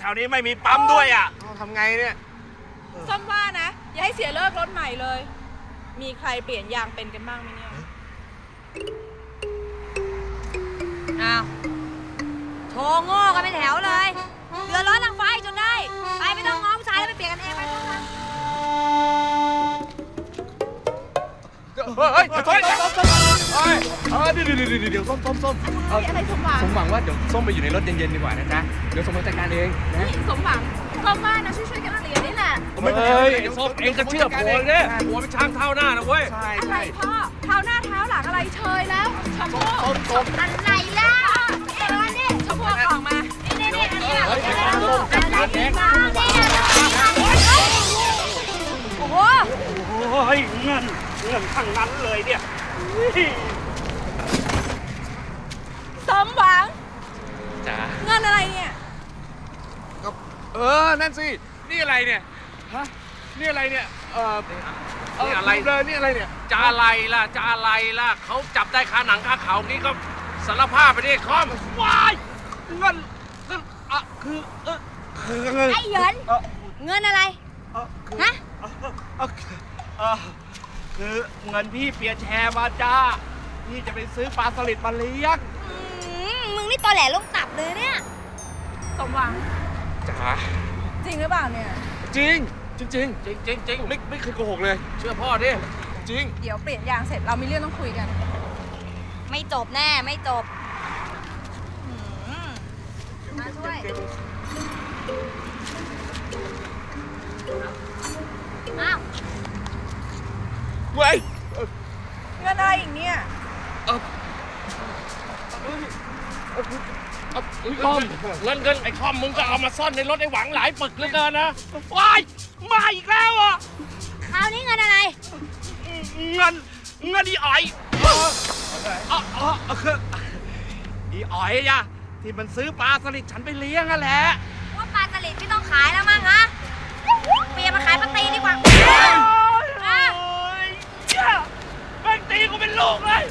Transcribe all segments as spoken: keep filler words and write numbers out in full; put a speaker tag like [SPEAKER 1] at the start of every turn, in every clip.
[SPEAKER 1] วนี้ไม่มีปั๊มด้วยอ่ะ
[SPEAKER 2] ทำไงเนี่ย
[SPEAKER 3] ส้มว่านะอย่าให้เสียเลิกรถใหม่เลยมีใครเปลี่ยนยางเป็นกันบ้างไหมเนี่ย
[SPEAKER 4] อ้าวโชว์โง่กันเป็นแถวเลยเดือดร้อนทางไฟจนได้ไปไม่ต้องง้อผู้ชายแล้วไปเปลี่ยนกันเองไปไป
[SPEAKER 2] เฮ้ยเฮ้ยเฮ้ยเฮ้ยเฮ้ยเดี๋ยวเดี๋ยวเดี๋ยวเดี๋ยวส้มส้มส้ม
[SPEAKER 3] อะไรสมหวัง
[SPEAKER 2] สมหวังว่าเดี๋ยวส้มไปอยู่ในรถเย็นๆดีกว่านะจ๊ะเดี๋ยวส้มมาจัดการเองนะ
[SPEAKER 3] สมหวังส้มว่านะช่วยๆกันเรียนนี่แหละ
[SPEAKER 1] เฮ้ยส้มเองก็เชื่อผัวเนี่ยผัวเป็นช้างเท้าหน้านะเว้ย
[SPEAKER 3] อะไรพ่อเท้าหน้าเท้าหลังอะไรเชยแล้วชมพู่อะไรล่ะเอ็งนี่ชมพู่ออกมานี่นี่นี่อันนี้อะไรโอ้โห
[SPEAKER 1] โอ้ยเงินเงินทั้งนั้นเลยเนี่ย
[SPEAKER 3] สมหวัง
[SPEAKER 2] จ๋า
[SPEAKER 3] เงินอะไรเนี่ย
[SPEAKER 2] ก็เออนั่นสินี่อะไรเนี่ยฮะนี่อะไรเนี่ยเออ
[SPEAKER 1] นี่อะไร
[SPEAKER 2] เลยนี่อะไรเนี่ย
[SPEAKER 1] จะอะไรล่ะจะอะไรล่ะเขาจับได้คาหนังคาเขานี่ก็สารภาพไปดิคอมวายเงินเงินอ่ะคือเออคือเงิน
[SPEAKER 4] ไอ้เหยินเงินอะไรฮะ
[SPEAKER 1] เออคือเงินพี่เปียแชร์มาจ้าพี่จะไปซื้อปลาสลิดมาเลี้ยง
[SPEAKER 4] มึงนี่ตอแหลลงตับเลยเนี่ย
[SPEAKER 3] สมหวัง
[SPEAKER 2] จ๋า
[SPEAKER 3] จริงหรือเปล่าเนี่ย
[SPEAKER 2] จริงจริงจริง
[SPEAKER 1] จริงจริงจริง
[SPEAKER 2] ไม่ไม่เคยโกหกเลย
[SPEAKER 1] เชื่อพ่อดิ
[SPEAKER 2] จริง
[SPEAKER 3] เดี๋ยวเปลี่ยนยางเสร็จเรามีเรื่องต้องคุยกัน
[SPEAKER 4] ไม่จบแน่ไม่จบมาช่วยอ้าว
[SPEAKER 2] เว้ย
[SPEAKER 3] เงินอะไรอีกเนี่ย
[SPEAKER 1] เออคอมเงินเงินไอ้คอมมึงก็เอามาซ่อนในรถไอ้หวังหลายปึกเหลือเกินนะว้ายมาอีกแล้วอ่ะ
[SPEAKER 4] คราวนี้เงินอะไร
[SPEAKER 1] เงินเงินอีอ๋อยอ๋ออ๋อคืออีอ๋อยอะที่มันซื้อปลาสลิดฉันไปเลี้ยงนั่นแหละ
[SPEAKER 4] ว่าปลาสลิดไม่ต้องขายแล้วมั้งฮะเปลี่ยนมาขายปลาตีดีกว่า
[SPEAKER 1] โอ้ยแม่งตีกูเป็นลูกเลย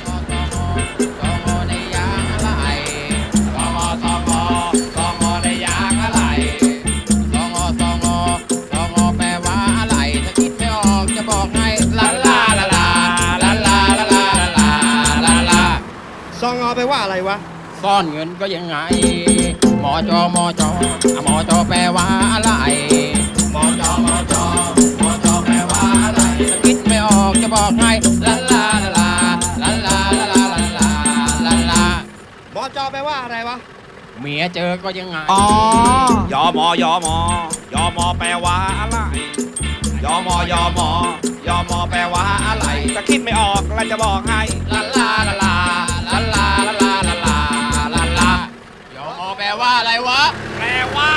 [SPEAKER 2] ซองอไปว่าอะไรวะ
[SPEAKER 5] ซ่อนเงินก็ยังไงหมอจอหมอจอหมอจอแปลว่าอะไรหมอจอหมอจอหมอจอแปลว่าอะไรคิดไม่ออกจะบอกให้ลาลาลาลาลาลาลาลาลาลาลา
[SPEAKER 2] หมอจอแปลว่าอะไรวะ
[SPEAKER 5] เมียเจอก็ยังไง
[SPEAKER 2] อ๋
[SPEAKER 1] อยอมอยอมอยอมอแปลว่าอะไรยอมอยอมอยอมอแปลว่าอะไรจะคิดไม่ออกแล้วจะบอกให้
[SPEAKER 5] ลาลาลาลาลาลาลาลาลาลาลาลายอมอแปลว่าอะไรวะ
[SPEAKER 1] แปลว่า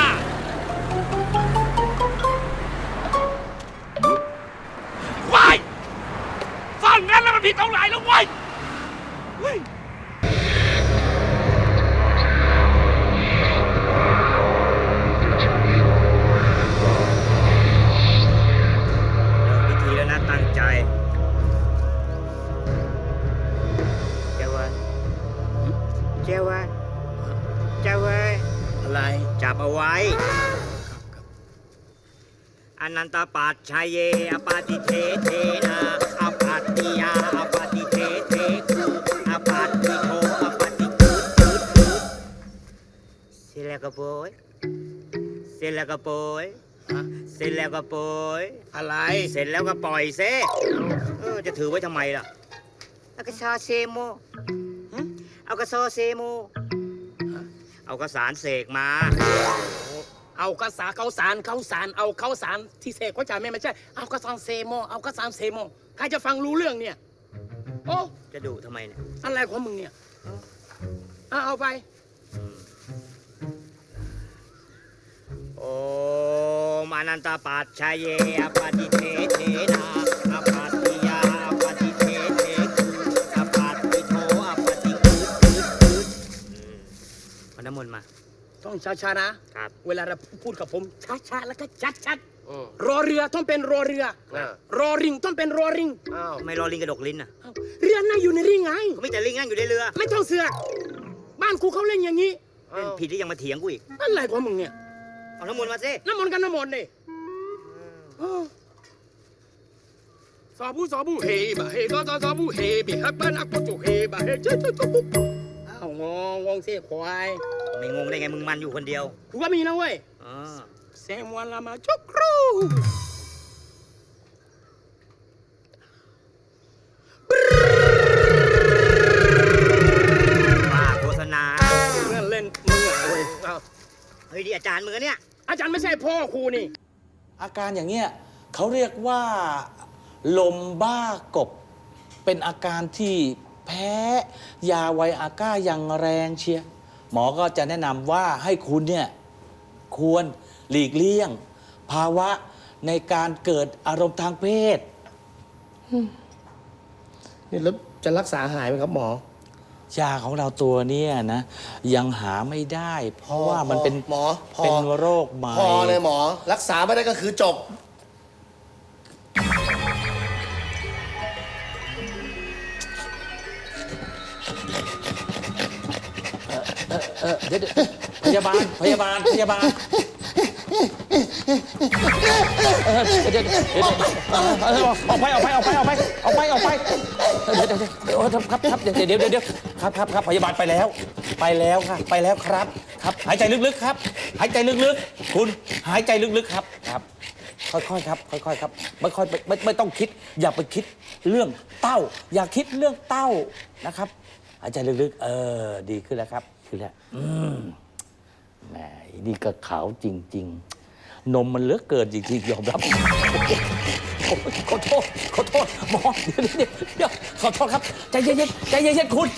[SPEAKER 1] ว้ายซ่อนงั้นแล้วมันผิดตรงไหนแล้ววะ
[SPEAKER 6] ตั้งใจเจ้าเว้ยเจ้าเว้ยเจ้าเว้ย
[SPEAKER 5] อะไร
[SPEAKER 6] จับเอาไว้อนันตปัจชัยเยอปาติเทเทนาอปัตติยาอปาติเทเทกุอปัตติโทอปาติกุดกุดกุดเสร็จแล้วก็โปยเสร็จแล้วก็โปยเสร็จแล้วก็ปล่อย
[SPEAKER 5] อะไร
[SPEAKER 6] เสร็จแล้วก็ปล่อยเซ่เออจะถือไว้ทำไมล่ะเอากระซอเซโมเอากระซอเซโมเอากระสารเสกมา
[SPEAKER 5] เอากระสาเขาสารเขาสารเอาเขาสารที่เสกเขาจ่ายไม่ไม่ใช่เอากระสารเซโมเอากระสารเซโมใครจะฟังรู้เรื่องเนี่ยโอ้
[SPEAKER 6] จะดุทำไมเนี่ย
[SPEAKER 5] อะไรของมึงเนี่ยเอาเอาไป
[SPEAKER 6] โอ้มานันตปัจชัยเยอปาติเทเทนาอปัตติยาอปาติเทเทกุอปัตติโทอปาติกุดกุดกุดเอาน้ำมนต์มา
[SPEAKER 5] ต้องช้าๆนะครับเวลาเราพูดกับผมช้าๆแล้วก็ชัดๆรอเรือต้องเป็นรอเรือรอริงต้องเป็นรอริง
[SPEAKER 6] ทำไมรอลิงกระดกลิ้นอ่ะ
[SPEAKER 5] เรือนั่งอยู่ในริงไง
[SPEAKER 6] เขาไม่แต่ลิงนั่งอยู่ในเรือ
[SPEAKER 5] ไม่ต้องเสือกบ้านกูเขาเล่นอย่างนี้
[SPEAKER 6] เล่นผิดที่ยังมาเถียงกูอีก
[SPEAKER 5] อะไรของมึงเนี่ย
[SPEAKER 6] เอาน้ำมนต์มาสิ
[SPEAKER 7] น้ำมนต์กันน้ำมนต์นี่สอบูสอบูเฮบะเฮซอซอซอบูเฮบิฮับบ้านอักปะจุเฮบะเฮเจ๊เจ๊จุ๊บอ้าวงงงงเสียควาย
[SPEAKER 6] ไม่งงได้ไงมึงมันอยู่คนเดียว
[SPEAKER 7] กูว่ามีนะเว้ย
[SPEAKER 6] อ่า
[SPEAKER 7] เซมวันละมาจุกครู
[SPEAKER 6] ว่าโฆษณา
[SPEAKER 7] เล่นเล่นมึงเหรอเว้ยอ้าว
[SPEAKER 6] เฮ้ยดิอาจารย์มึงอะเนี่ย
[SPEAKER 7] อาจารย์ไม่ใช่พ่อครูนี่
[SPEAKER 8] อาการอย่างเงี้ยเขาเรียกว่าลมบ้ากบ เป็นอาการที่แพ้ยาไวอาก้าอย่างแรงเชียร์หมอก็จะแนะนำว่าให้คุณเนี่ยควรหลีกเลี่ยง ภาวะในการเกิดอารมณ์ทางเพศ
[SPEAKER 7] นี่แล้วจะรักษาหายไหมครับหมอ
[SPEAKER 8] ยาของเราตัวเนี้นะยังหาไม่ได้ เพราะว่ามันเป็น
[SPEAKER 9] หมอพอ
[SPEAKER 8] เป็นโรคใหม่
[SPEAKER 9] พอเลยหมอ รักษาไม่ได้ก็คือจบ
[SPEAKER 8] เออเดี๋ยวเดี๋ยวพยาบาลพยาบาลพยาบาลเออเดี๋ยวเดี๋ยวเดี๋ยวเออเออออกไปออกไปออกไปออกไปออกไปออกไปเดี๋ยวเดี๋ยวเดี๋ยวเดี๋ยวครับครับเดี๋ยวเดี๋ยวเดี๋ยวเดี๋ยวครับครับครับพยาบาลไปแล้ว ไปแล้วค่ะไปแล้วครับครับหายใจลึกๆครับ หายใจลึกๆ คุณหายใจลึกๆครับครับ ค่อยๆครับค่อยๆครับไม่ค่อยไม่ไม่ไม่ต้องคิด อย่าไปคิดเรื่องเต้า อย่าคิดเรื่องเต้านะครับ หายใจลึกๆ เออดีขึ้นแล้วครับขึ้นแล้วอืมแหมนี่ก็ขาวจริง ๆ นมมันเหลือเกินจริงๆยอมรับโอ้ยขอโทษขอโทษหมอเดี๋ยวเดี๋ยวเดี๋ยวขอโทษครับใจเย็นๆใจเย็นๆคุณ